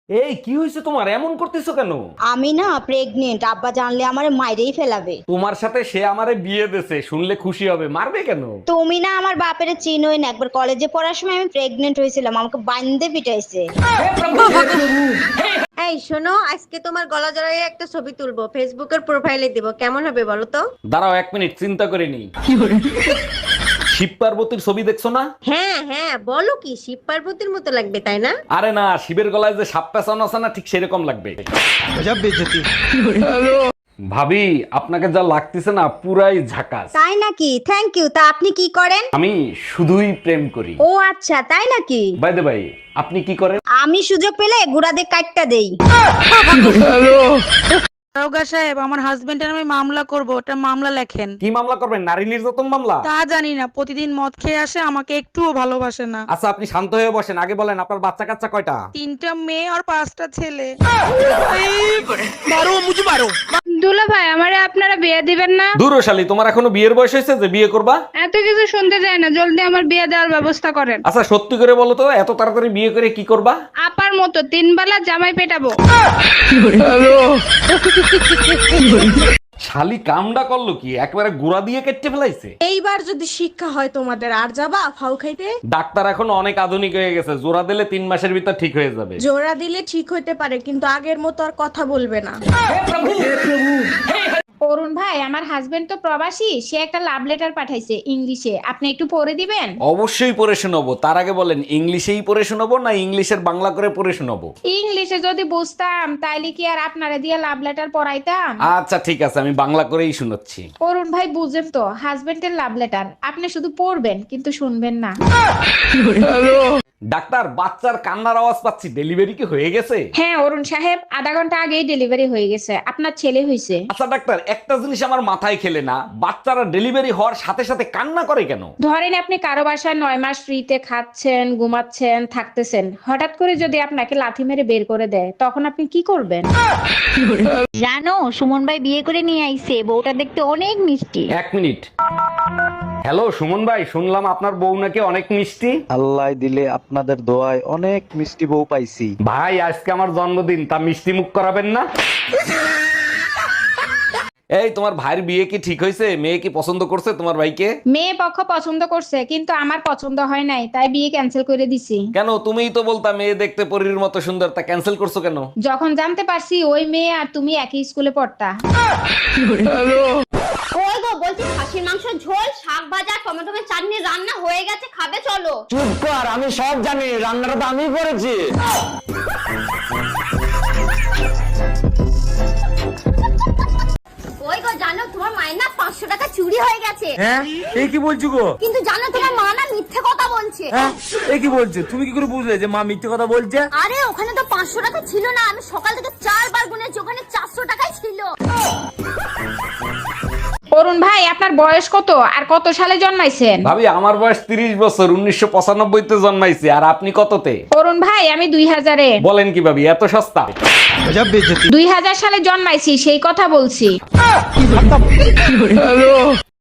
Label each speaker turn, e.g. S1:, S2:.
S1: এই কি হয়েছে তোমার, এমন করতেছো কেন?
S2: আমি না প্রেগনেন্ট, আব্বা জানলে আমারে মাইরেই ফেলাবে।
S1: তোমার সাথে সে আমারে বিয়ে দেছে, শুনলে খুশি হবে, মারবে কেন?
S2: তুমি না আমার বাপের চিনোই না, একবার কলেজে পড়ার সময় আমি প্রেগনেন্ট হয়েছিলাম, আমাকে বান্ধে পিটাইছে।
S3: এই শোনো, আজকে তোমার গলা জড়াইয়ে একটা ছবি তুলবো, ফেসবুকের প্রোফাইলে দিব, কেমন হবে বলো তো?
S1: দাঁড়াও 1 মিনিট, চিন্তা করে নি। শিব পার্বতীর ছবি দেখছো না?
S3: হ্যাঁ হ্যাঁ, বলো কি, শিব পার্বতীর মতো লাগবে তাই না?
S1: আরে না, শিবের গলায় যে সাপ পেঁচানো আছে না, ঠিক সেরকম লাগবে। ভাবি, আপনাকে যা লাগতেছে না পুরাই ঝাকাস।
S2: তাই নাকি? Thank you. তা আপনি কি করেন?
S1: আমি শুধুই প্রেম করি।
S2: ও আচ্ছা, তাই নাকি?
S1: বাই দ্য বাই, আপনি কি করেন?
S2: আমি সুযোগ পেলে গুড়া দিয়ে কাটটা দেই।
S4: দারোগা সাহেব, আমার হাজবেন্ডের আমি মামলা করব, ওটা মামলা লেখেন।
S1: কি মামলা করবেন? নারী নির্যাতন মামলা?
S4: তা জানি না, প্রতিদিন মদ খেয়ে আসে, আমাকে একটুও ভালোবাসে না।
S1: আচ্ছা, আপনি শান্ত হয়ে বসেন, আগে বলেন আপনার বাচ্চা কাচ্চা কয়টা?
S4: 3টা মেয়ে আর 5টা ছেলে।
S5: দুলা ভাই, আমারে আপনারা বিয়ে দিবেন না?
S1: দূর শালী, তোমার এখনো বিয়ের বয়স হয়েছে যে বিয়ে করবা?
S5: এত কিছু শুনতে চাই না, জলদি আমার বিয়ে দেওয়ার ব্যবস্থা করেন।
S1: আচ্ছা সত্যি করে বলো তো, এত তাড়াতাড়ি বিয়ে করে কি করবা?
S5: আপার মতো 3 বেলা জামাই পেটাবো।
S1: শালি কামডা করলো কি, একবারে গুড়া দিয়ে কেটে ফেলাইছে।
S6: এইবার যদি শিক্ষা হয় তোমাদের, আর যাবা ফাউ খাইতে?
S1: ডাক্তার এখন অনেক আধুনিক হয়ে গেছে, জোড়া দিলে 3 মাসের ভিতর ঠিক হয়ে যাবে।
S6: জোড়া দিলে ঠিক হইতে পারে, কিন্তু আগের মতো আর কথা বলবে না।
S5: অরুণ ভাই, আমার হাজবেন্ড তো প্রবাসী, সে একটা লাভ লেটার পাঠাইছে ইংলিশে, আপনি একটু পড়ে দিবেন?
S1: অবশ্যই পড়ে শোনাবো। তার আগে বলেন, ইংলিশেই পড়ে শোনাবো না ইংলিশের বাংলা করে পড়ে শোনাবো?
S5: ইংলিশে যদি বুঝতাম তাইলে কি আর আপনারে দিয়ে লাভ লেটার পড়াইতাম?
S1: আচ্ছা ঠিক আছে, আমি বাংলা করেই শোনাচ্ছি।
S5: অরুণ ভাই, বুঝেন তো, হাজবেন্ডের লাভ লেটার, আপনি শুধু পড়বেন কিন্তু শুনবেন না।
S1: ডাক্তার, বাচ্চার কান্নার আওয়াজ পাচ্ছি, ডেলিভারি কি হয়ে গেছে?
S5: হ্যাঁ অরুণ সাহেব, আধা ঘন্টা আগেই ডেলিভারি হয়ে গেছে, আপনার ছেলে হয়েছে।
S1: আচ্ছা ডাক্তার, একটা জিনিস আমার মাথায় খেলে না, বাচ্চারা ডেলিভারি হওয়ার সাথে সাথে কান্না করে কেন?
S5: ধরেন আপনি কারো বাসায় 9 মাস ফ্রিতে খাচ্ছেন, ঘুমাচ্ছেন, থাকতেছেন, হঠাৎ করে যদি আপনাকে লাথি মেরে বের করে দেয়, তখন আপনি কি করবেন?
S2: জানো, সুমন ভাই বিয়ে করে নিয়ে আইছে, বউটা দেখতে অনেক মিষ্টি।
S1: 1 মিনিট। হ্যালো সুমন ভাই, শুনলাম আপনার বউ নাকি অনেক মিষ্টি।
S7: আল্লাহ দিলে আপনাদের দোয়ায় অনেক মিষ্টি বউ পাইছি।
S1: ভাই, আজকে আমার জন্মদিন, তা মিষ্টি মুখ করাবেন না? এই, তোমার ভাইয়ের বিয়ে কি ঠিক হয়েছে? মেয়ে কি পছন্দ করছে তোমার ভাইকে?
S5: মেয়ে পক্ষ পছন্দ করছে, কিন্তু আমার পছন্দ হয় নাই, তাই বিয়ে ক্যান্সেল করে দিছি।
S1: কেন? তুমিই তো বলতা মেয়ে দেখতে পরীর মতো সুন্দর, তা ক্যান্সেল করছো কেন?
S5: যখন জানতে পারছি ওই মেয়ে আর তুমি একই স্কুলে পড়তা।
S2: ওই গো, বলছি খাসির মাংসের ঝোল, শাক ভাজা, টমেটো চাটনি রান্না হয়ে গেছে, খাবে চলো।
S8: চুপ কর, আমি সব জানি, রান্নাটা তো আমি করেছি।
S2: ওই গো, জানো তোমার মায়ের না 500 টাকা চুরি হয়ে গেছে।
S8: হ্যাঁ, এই কি বলছো গো?
S2: কিন্তু জানো তোমার মা না মিথ্যে কথা বলছে।
S8: হ্যাঁ, এই কি বলছো? তুমি কি করে বুঝলে যে মা মিথ্যে কথা বলছে?
S2: আরে ওখানে তো 500 টাকা ছিল না, আমি সকাল থেকে 4 বার গুনেছি, ওখানে 400 টাকাই ছিল।
S5: অরুণ ভাই, আপনার বয়স কত আর কত সালে জন্মাইছেন?
S1: ভাবি, আমার বয়স 30 বছর, 1995 তে জন্মাইছি। আর আপনি কততে?
S5: অরুণ ভাই, আমি 2000-এ।
S1: বলেন কি ভাবি, এত সস্তা?
S5: 2000 সালে জন্মাইছি, সেই কথা বলছি।